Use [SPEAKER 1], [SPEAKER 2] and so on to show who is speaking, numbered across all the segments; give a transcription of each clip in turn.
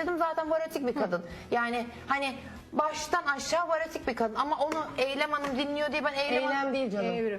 [SPEAKER 1] izledim zaten varotik bir kadın. Yani hani baştan aşağı varotik bir kadın ama onu Eylem Hanım dinliyor diye ben
[SPEAKER 2] Eylem değil canım.
[SPEAKER 1] Evrim.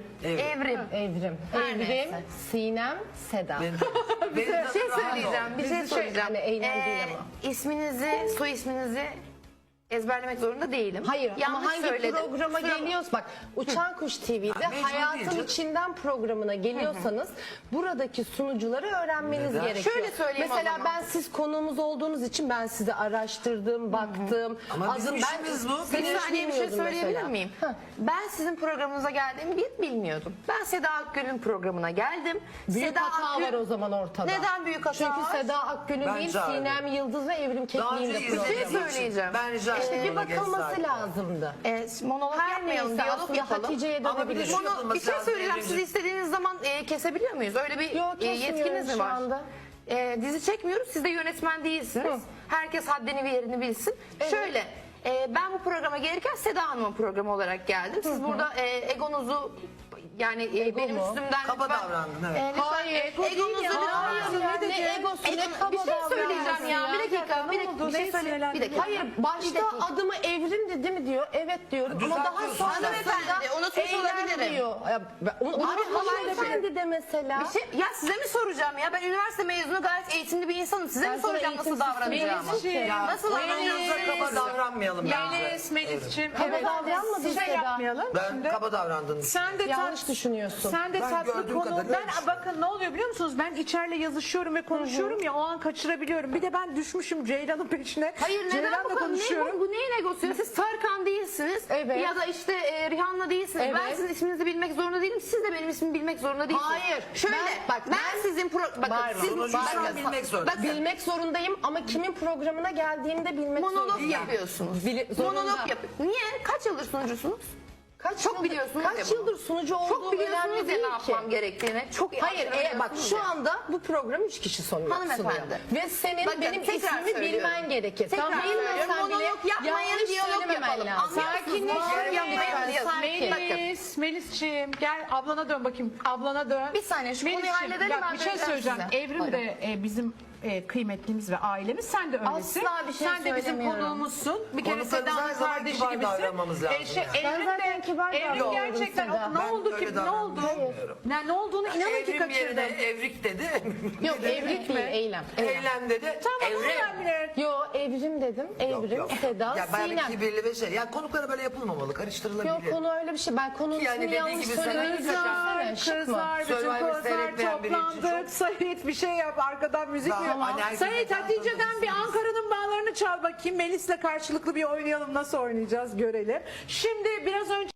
[SPEAKER 2] Evrim.
[SPEAKER 1] Her
[SPEAKER 2] Evrim,
[SPEAKER 1] neyse.
[SPEAKER 2] Sinem, Seda.
[SPEAKER 1] Bir şey söyleyeceğim. Bir şey söyleyeceğim.
[SPEAKER 2] Yani Eylem değil ama.
[SPEAKER 1] İsminizi, soy isminizi ezberlemek zorunda değilim.
[SPEAKER 2] Hayır
[SPEAKER 1] Yanlış
[SPEAKER 2] ama hangi
[SPEAKER 1] söyledim.
[SPEAKER 2] programa geliyoruz? Bak Uçan Kuş TV'de
[SPEAKER 3] mecbur değil
[SPEAKER 2] Hayatın
[SPEAKER 3] canım.
[SPEAKER 2] İçinden programına geliyorsanız buradaki sunucuları öğrenmeniz
[SPEAKER 3] Neden?
[SPEAKER 2] gerekiyor.
[SPEAKER 1] Şöyle söyleyeyim
[SPEAKER 2] Mesela
[SPEAKER 1] o zaman.
[SPEAKER 2] ben siz konuğumuz olduğunuz için ben sizi araştırdım, baktım.
[SPEAKER 3] Ama bizim işimiz bu.
[SPEAKER 1] Bir
[SPEAKER 2] Seni hiç
[SPEAKER 1] saniye bir şey
[SPEAKER 2] bilmiyordum
[SPEAKER 1] söyleyebilir
[SPEAKER 2] mesela.
[SPEAKER 1] miyim? Ben sizin programınıza geldiğimi bilmiyordum. Ben Seda Akgül'ün programına geldim.
[SPEAKER 2] Büyük
[SPEAKER 1] Seda
[SPEAKER 2] hata
[SPEAKER 1] Akgül-
[SPEAKER 2] var o zaman ortada.
[SPEAKER 1] Neden büyük hata
[SPEAKER 2] Çünkü
[SPEAKER 1] var?
[SPEAKER 2] Seda Akgül'ün
[SPEAKER 3] Ben
[SPEAKER 2] değil
[SPEAKER 3] çağırdım.
[SPEAKER 2] Sinem Yıldız ve Evrim
[SPEAKER 3] Daha
[SPEAKER 2] Kekliğin
[SPEAKER 3] önce
[SPEAKER 2] de
[SPEAKER 1] Bir şey
[SPEAKER 3] izlediğim
[SPEAKER 2] programı.
[SPEAKER 3] için
[SPEAKER 1] söyleyeceğim.
[SPEAKER 3] ben rica ettim.
[SPEAKER 2] Bir
[SPEAKER 3] ona
[SPEAKER 2] bakılması
[SPEAKER 3] geçseydim.
[SPEAKER 2] lazımdı.
[SPEAKER 1] Monolog
[SPEAKER 2] Her
[SPEAKER 1] yapmayalım,
[SPEAKER 2] neyse
[SPEAKER 1] diyalog
[SPEAKER 2] aslında
[SPEAKER 1] yapalım.
[SPEAKER 2] Hatice'ye
[SPEAKER 3] Ama bir de
[SPEAKER 2] dönebiliriz.
[SPEAKER 3] şu-
[SPEAKER 1] Bir şey
[SPEAKER 3] yapılması
[SPEAKER 1] söyleyeceğim.
[SPEAKER 3] lazım,
[SPEAKER 1] Siz istediğiniz zaman kesebiliyor muyuz? Öyle bir
[SPEAKER 2] Yok, kesmiyoruz
[SPEAKER 1] yetkiniz mi
[SPEAKER 2] şu
[SPEAKER 1] var?
[SPEAKER 2] anda.
[SPEAKER 1] Dizi çekmiyoruz. Siz de yönetmen değilsiniz. Herkes haddini ve yerini bilsin. Şöyle ben bu programa gelirken Seda Hanım'ın programı olarak geldim. Siz burada egonuzu yani benim
[SPEAKER 2] mu?
[SPEAKER 1] üstümden
[SPEAKER 3] Kaba
[SPEAKER 1] lütfen-
[SPEAKER 3] davrandın, evet.
[SPEAKER 2] Hayır,
[SPEAKER 1] egonuzu lütfen-
[SPEAKER 2] ne egosu ne kaba
[SPEAKER 1] bir şey söyleyeceğim
[SPEAKER 2] davranması
[SPEAKER 1] ya. Bir dakika. Bir şey söyle. Bir dakika.
[SPEAKER 2] Hayır başta adımı Evrim dedi mi diyor. Evet diyorum ama daha
[SPEAKER 3] Düzeltiyorsun
[SPEAKER 2] sonra
[SPEAKER 3] sen.
[SPEAKER 1] Hanımefendi, unutmuş
[SPEAKER 2] Eylem
[SPEAKER 1] olabilirim.
[SPEAKER 2] diyor. Ya,
[SPEAKER 1] Unutmuş
[SPEAKER 2] hanımefendi de mesela.
[SPEAKER 1] Bir şey, ya size mi soracağım ya? Ben üniversite mezunu gayet eğitimli bir insanım. Size mi
[SPEAKER 2] Ben sana
[SPEAKER 1] soracağım nasıl
[SPEAKER 2] eğitimsiz
[SPEAKER 1] davranacağımı?
[SPEAKER 2] Melisciğim.
[SPEAKER 1] Nasıl
[SPEAKER 3] Yanınızda kaba davranmayalım bence.
[SPEAKER 4] Melis'ciğim.
[SPEAKER 2] Kaba davranmadın
[SPEAKER 4] Şey
[SPEAKER 2] Seda.
[SPEAKER 4] yapmayalım.
[SPEAKER 3] Ben kaba davrandım.
[SPEAKER 4] Sen de
[SPEAKER 2] Yanlış düşünüyorsun.
[SPEAKER 4] Sen de
[SPEAKER 3] Ben
[SPEAKER 4] tatlı
[SPEAKER 3] gördüğüm
[SPEAKER 4] konu.
[SPEAKER 3] kadarıyla
[SPEAKER 4] Ben bakın ne oluyor biliyor musunuz? Ben içeride yazışıyorum ve konuşuyorum ya o an kaçırabiliyorum. Bir de ben düşmüşüm Ceylan'ın peşine.
[SPEAKER 1] Hayır neden
[SPEAKER 4] Ceylan'la
[SPEAKER 1] bu kadar?
[SPEAKER 4] konuşuyorum.
[SPEAKER 1] Bu neyin egosu? Siz Tarkan değilsiniz.
[SPEAKER 2] Evet.
[SPEAKER 1] Ya da işte Rihanna değilsiniz. Ben
[SPEAKER 2] Evet.
[SPEAKER 1] sizin isminizi bilmek zorunda değilim. Siz de benim ismimi bilmek zorunda değilsiniz.
[SPEAKER 2] Hayır.
[SPEAKER 1] Şöyle ben sizin bakın
[SPEAKER 2] Bağırma.
[SPEAKER 1] siz
[SPEAKER 3] Sunucuyu şu an bilmek zorundasın.
[SPEAKER 2] Bilmek zorundayım ama kimin programına geldiğimde bilmek
[SPEAKER 1] monolog
[SPEAKER 2] zorundayım.
[SPEAKER 1] yapıyorsunuz.
[SPEAKER 2] Zorunda.
[SPEAKER 1] Monolog yap. Niye? Kaç yıldır sunucusunuz? Çok biliyorsunuz ya
[SPEAKER 2] Kaç
[SPEAKER 1] bunu.
[SPEAKER 2] yıldır sunucu olduğum
[SPEAKER 1] Çok biliyorsunuz
[SPEAKER 2] önemli
[SPEAKER 1] ya
[SPEAKER 2] değil
[SPEAKER 1] ne
[SPEAKER 2] ki.
[SPEAKER 1] yapmam gerektiğini. Çok iyi
[SPEAKER 2] Hayır bak
[SPEAKER 1] biliyorsunuz
[SPEAKER 2] şu
[SPEAKER 1] ya.
[SPEAKER 2] anda bu program 3 kişi sunuyor.
[SPEAKER 1] Hanımefendi.
[SPEAKER 2] Ve senin
[SPEAKER 1] Bakın,
[SPEAKER 2] benim
[SPEAKER 1] tekrar
[SPEAKER 2] ismimi
[SPEAKER 1] söylüyorum.
[SPEAKER 2] bilmen gerekir.
[SPEAKER 1] Tekrar
[SPEAKER 2] Sen
[SPEAKER 1] söylüyorum.
[SPEAKER 2] bilmesen bile
[SPEAKER 1] Monolog yapmayın,
[SPEAKER 2] yanlış
[SPEAKER 1] diyalog
[SPEAKER 2] söylememen
[SPEAKER 1] yapalım.
[SPEAKER 2] lazım.
[SPEAKER 1] Anlıyor musunuz? Monolog yapmayın, diyalog.
[SPEAKER 4] Melis'ciğim gel ablana dön bakayım. Ablana dön.
[SPEAKER 1] Bir saniye, şu konuyu
[SPEAKER 4] Melis'ciğim,
[SPEAKER 1] halledelim,
[SPEAKER 4] bak,
[SPEAKER 1] ben
[SPEAKER 4] bir şey
[SPEAKER 1] döneceğim
[SPEAKER 4] söyleyeceğim.
[SPEAKER 1] size.
[SPEAKER 4] Evrim de bizim kıymetlimiz ve ailemiz. Sen de öylesin.
[SPEAKER 1] Asla bir şey
[SPEAKER 4] Sen de bizim
[SPEAKER 1] söylemiyorum.
[SPEAKER 4] konuğumuzsun. Bir kere
[SPEAKER 3] Konuklarımıza her
[SPEAKER 4] Seda'nın
[SPEAKER 3] zaman
[SPEAKER 4] kardeşi
[SPEAKER 3] kibar
[SPEAKER 4] gibisin.
[SPEAKER 3] davranmamız lazım yani.
[SPEAKER 4] Evrim
[SPEAKER 2] zaten
[SPEAKER 4] de
[SPEAKER 2] kibar
[SPEAKER 4] Evrim
[SPEAKER 2] davranıyorum
[SPEAKER 4] gerçekten
[SPEAKER 2] Seda.
[SPEAKER 4] ne oldu
[SPEAKER 3] Ben
[SPEAKER 4] ki
[SPEAKER 3] öyle
[SPEAKER 4] ne oldu?
[SPEAKER 3] davranmıyorum.
[SPEAKER 4] Ne olduğunu inanın ki
[SPEAKER 3] Evrim yerine
[SPEAKER 4] kaçırdım.
[SPEAKER 3] evrik dedi.
[SPEAKER 2] Yok evlilik değil eylem.
[SPEAKER 3] Eylem dedi.
[SPEAKER 4] Tamam
[SPEAKER 3] Evrim.
[SPEAKER 4] önemli.
[SPEAKER 2] Yo evrim dedim. Evrim, Seda,
[SPEAKER 3] Ya bayağı bir
[SPEAKER 2] Sinem.
[SPEAKER 3] kibirli ve şey. Ya konuklara böyle yapılmamalı. Karıştırılabilir.
[SPEAKER 2] Yok konu öyle bir şey. Ben konunun
[SPEAKER 3] Yani
[SPEAKER 2] ismini
[SPEAKER 3] dediği
[SPEAKER 2] yanlış
[SPEAKER 3] gibi sen
[SPEAKER 2] söylemeyi
[SPEAKER 4] Kızlar,
[SPEAKER 2] düşünsene. Şık mı?
[SPEAKER 4] kızlar, bütün
[SPEAKER 3] Survivor
[SPEAKER 4] kozlar
[SPEAKER 3] seyretmeyen biri için
[SPEAKER 4] toplandık. Sait bir şey yap arkadan müzik
[SPEAKER 3] Daha
[SPEAKER 4] mi?
[SPEAKER 3] hani herkes
[SPEAKER 4] Sait
[SPEAKER 3] zaten
[SPEAKER 4] Hatice'den bir
[SPEAKER 3] tanıdık.
[SPEAKER 4] Ankara'nın bağlarını çal bakayım. Melis'le karşılıklı bir oynayalım. Nasıl oynayacağız görelim. Şimdi biraz önce